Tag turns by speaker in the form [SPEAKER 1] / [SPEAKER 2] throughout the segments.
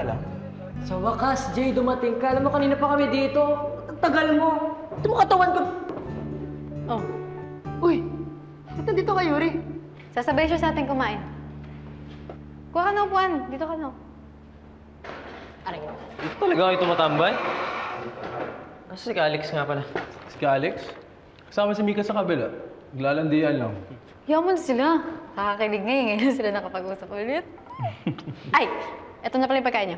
[SPEAKER 1] ka lang.
[SPEAKER 2] Sa wakas, Jay, dumating ka. Alam mo, kanina pa kami dito. Ang tagal mo. Ito mo katawan ko.
[SPEAKER 3] Oh. Uy! Ba't nandito ka, Yuri? Sasabay siya sa ating kumain. Kuha ka na upuan. Dito ka na. Aray.
[SPEAKER 4] Dito talaga kayo tumatambay? Nasa si Alex nga pala.
[SPEAKER 1] Si Alex? Kasama si Mika sa kabila. Naglalandian lang.
[SPEAKER 3] Yaman sila. Nakakakilig ngayon sila nakapag-usap ulit. Ay! Eto na pala yung pagkain niya.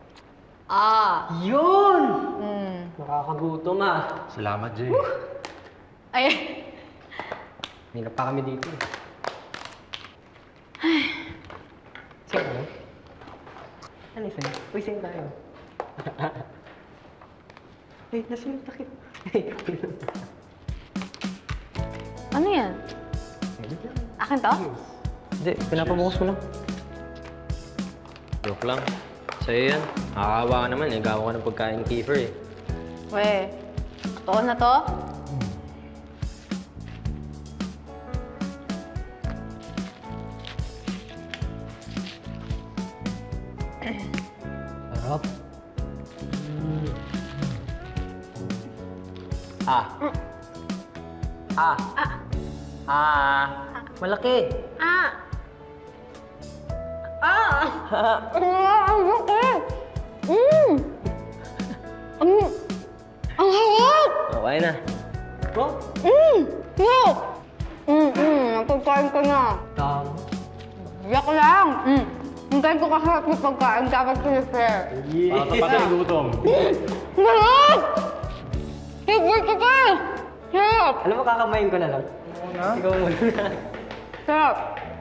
[SPEAKER 2] Yun!
[SPEAKER 3] Mm.
[SPEAKER 2] Nakakagutom ah.
[SPEAKER 1] Salamat, Jay.
[SPEAKER 3] Ay!
[SPEAKER 2] Hindi na pa kami dito. Sige ano? Ano isa? Uy, sing tayo. Ay, nasa yung takip.
[SPEAKER 3] Ano yan? Akin to?
[SPEAKER 4] Hindi, pinapabukas ko lang. Joke lang. Sa'yo yan. Nakakawa ka naman eh. Gawa ka ng pagkain ni Kiefer eh.
[SPEAKER 3] We, totoo na to?
[SPEAKER 2] Sarap. Malaki.
[SPEAKER 3] Ang laki! Ang harap!
[SPEAKER 4] Okay na.
[SPEAKER 2] Bro?
[SPEAKER 3] No! Napagkain ko na.
[SPEAKER 2] Tama.
[SPEAKER 3] Yak lang! Hintayin ko kasarap yung pagkain dapat sinishare.
[SPEAKER 1] Para tapatan yung gutom.
[SPEAKER 3] Sarap! Favorite ko pa! Sarap!
[SPEAKER 2] Alam mo, kakamayin ko na lang. Ikaw muna.
[SPEAKER 3] Sarap!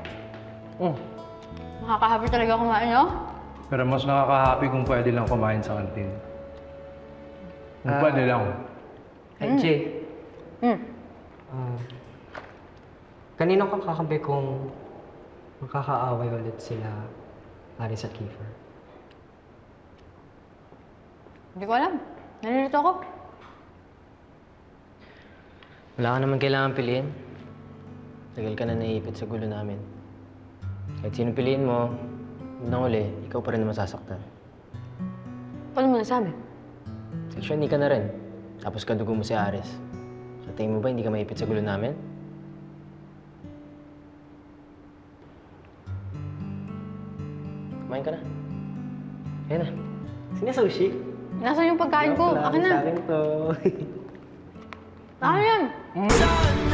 [SPEAKER 3] Makakahappy talaga kumain, no?
[SPEAKER 1] Pero mas nakaka-happy kung pwede lang kumain sa kantin. Kung pwede lang.
[SPEAKER 2] Ay, Jay.
[SPEAKER 3] Mm.
[SPEAKER 2] Kanino kang kakampi kung makakaaway ulit sila Aris at Kiefer?
[SPEAKER 3] Hindi ko alam. Nalilito ako.
[SPEAKER 4] Wala ka naman kailangan piliin. Tagal ka na naiipit sa gulo namin. Kahit sino piliin mo, unang uli, ikaw pa rin naman sasaktan.
[SPEAKER 3] Paano mo nasabi?
[SPEAKER 4] Seksyon, hindi ka na rin. Tapos kadugo mo si Ares. Sa tingin mo ba hindi ka maipit sa gulo namin? Kumain ka na. Kaya na.
[SPEAKER 2] Sino sushi?
[SPEAKER 3] Nasaan yung pagkain ko? Akin na.
[SPEAKER 2] Sa akin to.
[SPEAKER 3] Akin yan.